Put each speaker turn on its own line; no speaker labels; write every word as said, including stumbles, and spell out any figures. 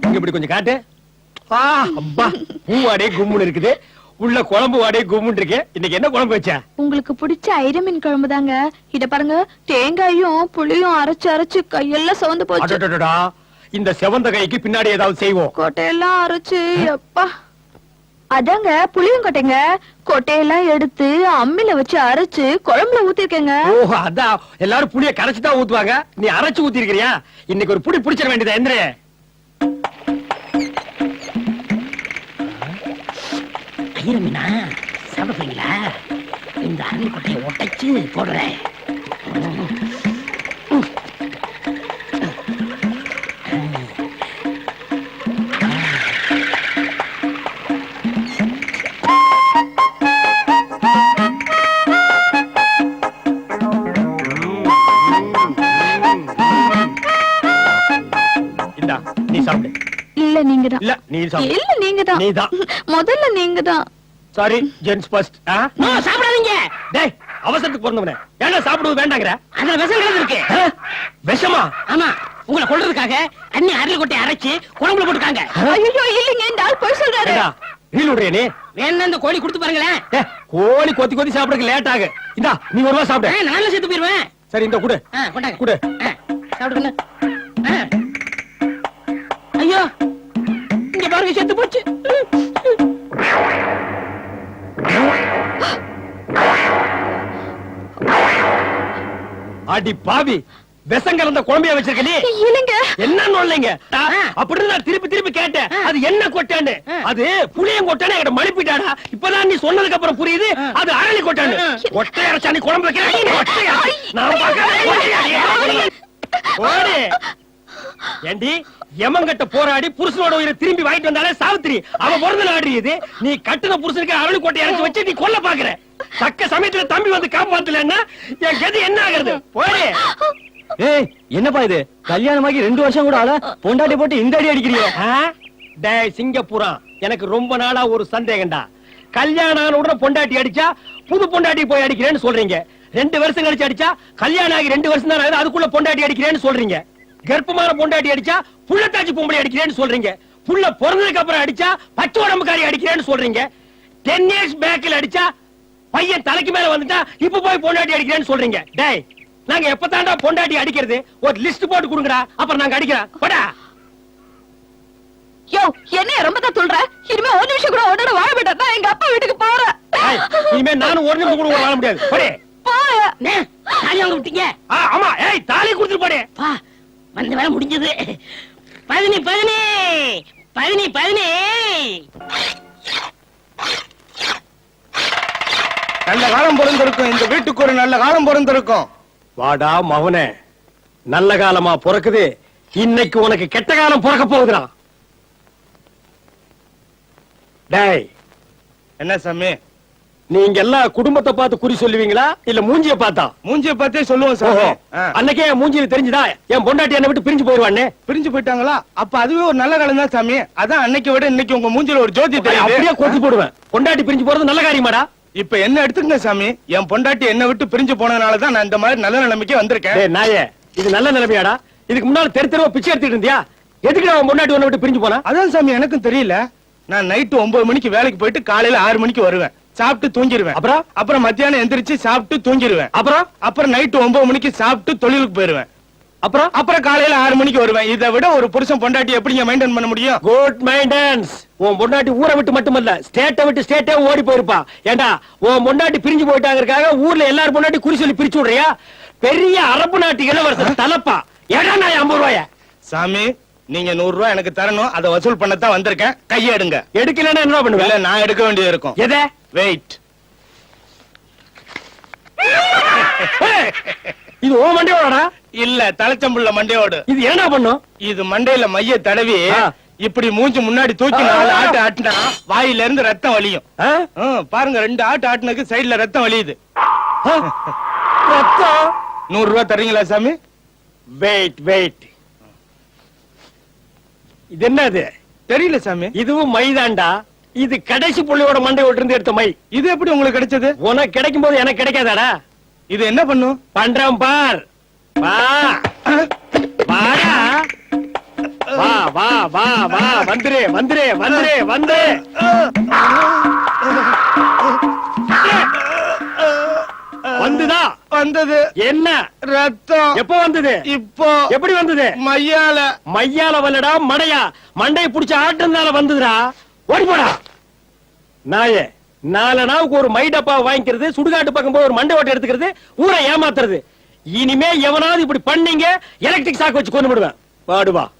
இங்க இப்படி கொஞ்சம் காட்டு. ஆ அப்பா, பூ வாடே கும்முன்னு இருக்குது, உள்ள குழம்பு வாடே கும்முன்னு இருக்கு. இன்னைக்கு என்ன குழம்பு வச்சா?
உங்களுக்கு பிடிச்ச ஐர மீன் குழம்பு தாங்க. இத பாருங்க, தேங்காயும் புளியும் அரைச்சு அரைச்சு கையெல்லாம் சிவந்து போச்சு.
அடடடடா, இந்த செவந்த கைக்கு பின்னாடி ஏதாவது செய்வோம்.
கொட்டையெல்லாம் அரைச்சு அப்பா. அதாங்க புளியும் கொட்டைங்க. கொட்டையெல்லாம் எடுத்து அம்மில வச்சு அரைச்சு குழம்புல ஊத்திருக்கேங்க.
ஓ அதான், எல்லாரும் புளிய கரைச்சு தான் ஊத்துவாங்க, நீ அரைச்சு ஊத்தி இருக்கிறியா? இன்னைக்கு ஒரு புடி பிடிச்சிட வேண்டியதா? எந்திரே.
ஐயர் மீனா சாப்பிடுறீங்களா? இந்த அருள் கொட்டையை ஒட்டைச்சு போடுறேன்.
நீ சாப்பிடு.
இல்ல நீங்க தான்.
இல்ல நீ சாப்பிடு.
இல்ல நீங்க தான்.
நீ தான்.
முதல்ல நீங்க தான்.
Sorry, gents first.
நோ சாப்பிடாதீங்க.
டேய், அவசரத்துக்கு பிறந்தவனே, ஏன்னா சாப்பிடுவது வேண்டாங்கற?
அதுல விஷம் கலந்து இருக்கு.
விஷமா?
ஆமா, உங்களை கொல்றதுக்காக அண்ணி அருள் கொட்டையை அரைச்சு குழம்புல போட்டுருக்காங்க.
ஐயோ இல்லங்க, இந்த ஆள் போய் சொல்றாரு.
ஏடா ரீல் விடுறியா நீ?
வேணா இந்த கோழி கொடுத்து பாருங்களேன்.
ஏ, கோழி கொத்தி கொத்தி சாப்பிடுறதுக்கு லேட் ஆகு. இந்தா நீ ஒரு வா சாப்பிடு.
நானும் சேர்த்து போயிருவேன்.
சரி இந்த குடு.
ஆ கொண்டாங்க.
குடு.
சாப்பிடுங்க. ஐயோ, இங்க பாருங்க, செத்து போச்சு.
அடி பாவி, விஷம் கலந்த குழம்பைய வச்சிருக்க நீ?
இல்லங்க.
என்ன நோல்லைங்க? அப்படின்னு நான் திருப்பி திருப்பி கேட்டேன், அது என்ன கொட்டான்னு. அது புளியம் கொட்டான்னு என்கிட்ட மழுப்பிட்டாடா. இப்பதான் நீ சொன்னதுக்கு அப்புறம் புரியுது அது அரளி கொட்டான்னு. கொட்டை அரைச்சா நீ குழம்பு வைக்கிறேன். நான் பார்க்க ஓடி. ஏண்டி, எமங்கட்ட போராடி புருஷனோட உயிரை திரும்பி வாங்கிட்டு வந்தாலே சாவித்திரி, அவன் பிறந்த நாடு இது. நீ கட்டுன புருஷனுக்கு அரளி கொட்டை இறக்கி வச்சு நீ கொல்ல பாக்குற. தக்க சமயத்துல தம்பி வந்து காப்பாத்தலன்னா என் கதி என்ன ஆகுறது? போடி.
ஏய், என்னப்பா இது? கல்யாணமாகி ரெண்டு வருஷம் கூட ஆல, பொண்டாட்டி போட்டு இந்த அடி அடிக்கிறீங்க.
டேய் சிங்கப்பூரா, எனக்கு ரொம்ப நாளா ஒரு சந்தேகம்டா. கல்யாணம் ஆன உடனே பொண்டாட்டி அடிச்சா புது பொண்டாட்டி போய் அடிக்கிறேன்னு சொல்றீங்க. ரெண்டு வருஷம் கழிச்சு அடிச்சா கல்யாணம் ஆகி ரெண்டு வருஷம் தான் ஆகுது, அதுக்குள்ள பொண்டாட்டி அடிக்கிறேன்னு சொல்றீங்க. கர்ப்பமான பொண்டாட்டி அடிச்சா புள்ளத்தாச்சி பொம்பளை அடிக்கிறேன்னு சொல்றீங்க. புள்ள பிறந்ததுக்கு அப்புறம் அடிச்சா பச்சை உடம்புக்காரி அடிக்கிறேன்னு சொல்றீங்க. டென் இயர்ஸ் பேக்ல அடிச்சா பையன் தலைக்கு மேல வந்துட்டா இப்ப போய் பொண்டாட்டி அடிக்கிறேன்னு சொல்றீங்க. டேய், நாங்க எப்பதாண்டா பொண்டாட்டி அடிக்கிறது? ஒரு லிஸ்ட் போட்டு கொடுங்கடா, அப்புறம் நாங்க அடிக்கிறோம். போடா.
யோ, என்ன ரொம்ப தான் சொல்ற? இனிமே ஒரு நிமிஷம் கூட உடனே வாழ மாட்டேன். நான் எங்க அப்பா வீட்டுக்கு போறேன்.
இனிமே நானும் ஒரு நிமிஷம் கூட வாழ முடியாது. போடே.
போய.
தாலி வாங்க விட்டீங்க?
ஆமா, ஏய் தாலி கொடுத்துட்டு போடே.
பா, வந்த வேலை முடிஞ்சது. பதினி பதினி பதினி பதினி
நல்ல காலம் பிறந்திருக்கும், இந்த வீட்டுக்கு ஒரு நல்ல காலம் பிறந்திருக்கும்.
வாடா மகனே, நல்ல காலமா பிறக்குது. இன்னைக்கு உனக்கு கெட்ட காலம் பிறக்க போகுதுடா. டேய்,
என்ன சாமி?
நீங்க எல்லாம் குடும்பத்தை பார்த்து குறி சொல்லுவீங்களா இல்ல மூஞ்சிய பார்த்தா?
மூஞ்சிய பார்த்தே சொல்லுவோம் சாமி.
அன்னைக்கே என் மூஞ்சியில தெரிஞ்சுதா என் பொண்டாட்டி என்னை விட்டு பிரிஞ்சு போயிருவானே?
பிரிஞ்சு போயிட்டாங்களா? அப்ப அதுவே ஒரு நல்ல காலம் தான் சாமி. அதான் அன்னைக்கு விட இன்னைக்கு உங்க மூஞ்சில ஒரு ஜோதி தெரியுது.
அப்படியே கொத்தி போடுவேன். பொண்டாட்டி பிரிஞ்சு போறது நல்ல காரியமாடா?
இப்ப என்ன எடுத்துக்கங்க சாமி, என் பொண்டாட்டி என்ன விட்டு பிரிஞ்சு போனதுனாலதான் நான் இந்த மாதிரி நல்ல நிலைமைக்கு வந்திருக்கேன்.
நாயே, இது நல்ல நிலைமையாடா? இதுக்கு முன்னால தெரு தெருவா பிச்சை எடுத்துட்டு இருந்தியா? எதுக்கு அவன் பொண்டாட்டி உன்னை விட்டு பிரிஞ்சு போனா?
அதான் சாமி எனக்கும் தெரியல. நான் நைட்டு ஒன்பது மணிக்கு வேலைக்கு போயிட்டு காலையில ஆறு மணிக்கு வருவேன், சாப்பிட்டு தூங்கிடுவேன்.
அப்புறம்
அப்புறம் மத்தியானம் எந்திரிச்சு சாப்பிட்டு தூங்கிடுவேன்.
அப்புறம்
அப்புறம் நைட்டு ஒன்பது மணிக்கு சாப்பிட்டு தொழிலுக்கு போயிருவேன்.
அப்புறம்
அப்புறம் காலையில ஆறு மணிக்கு வருவேன். இதை விட ஒரு புருஷன் பொண்டாட்டி எப்படிங்க மெயின்டைன் பண்ண முடியும்?
Good maintenance. உன் பொண்டாட்டி ஊரை விட்டு மட்டுமல்ல, ஸ்டேட்டை விட்டு ஸ்டேட்டே ஓடி போயிருப்பா. ஏண்டா, உன் பொண்டாட்டி பிரிஞ்சு போயிட்டாங்கிறதுக்காக ஊர்ல எல்லாரும் பொண்டாட்டி குறி சொல்லி பிரிச்சு விடுறியா? பெரிய அரபு நாட்டு இளவரசர் தலப்பா. ஏடா நான் ஐம்பது ரூபாய?
சாமி, நீங்க நூறு ரூபாய் எனக்கு தரணும், அதை வசூல் பண்ணத்தான் வந்திருக்கேன். கையை எடுங்க.
எடுக்கலன்னா என்ன பண்ணுவேன்?
நான் எடுக்க வேண்டியது இருக்கும்.
எதை?
வெயிட்.
இது ஓ மண்டையோடா?
இல்ல, தலைச்சம்புள்ள மண்டையோடு.
இது என்ன பண்ணும்?
இது மண்டையில மைய தடவி இப்படி மூஞ்சி முன்னாடி தூக்கி நாலு ஆட்டு ஆட்டினா வாயில இருந்து ரத்தம் வலியும். பாருங்க, ரெண்டு ஆட்டு ஆட்டினதுக்கு சைடுல ரத்தம் வலியுது.
ரத்தம்?
நூறு ரூபாய் தரீங்களா சாமி?
Wait wait. இது என்னது?
தெரியல சாமி.
இதுவும் மைதாண்டா. இது கடைசி புள்ளியோட மண்டையோட இருந்து எடுத்த மை.
இது எப்படி உங்களுக்கு கிடைச்சது?
உனக்கு கிடைக்கும் போது எனக்கு கிடைக்காதாடா?
இது என்ன பண்ணும்?
பண்றேன் பார். வா வாடா. வா வா வா வா வந்துரு வந்துரு வந்துரு வந்து வந்துதா
வந்தது
என்ன
ரத்தம்
எப்போ வந்தது
இப்போ
எப்படி வந்தது
மையால
மையால வல்லடா மடையா மண்டையை புடிச்ச ஆட்டுனால வந்ததுடா ஓடி போடா நாயே நாலு நாவுக்கு ஒரு மை டப்பா வாங்கிக்கிறது சுடுகாட்டு பக்கம் போய் ஒரு மண்டை ஓட்டை எடுத்துக்கிறது ஊரை ஏமாத்துறது இனிமே எவனாவது இப்படி பண்ணீங்க எலக்ட்ரிக் சாக்கு வச்சு கொண்டு விடுவேன் பாடுவா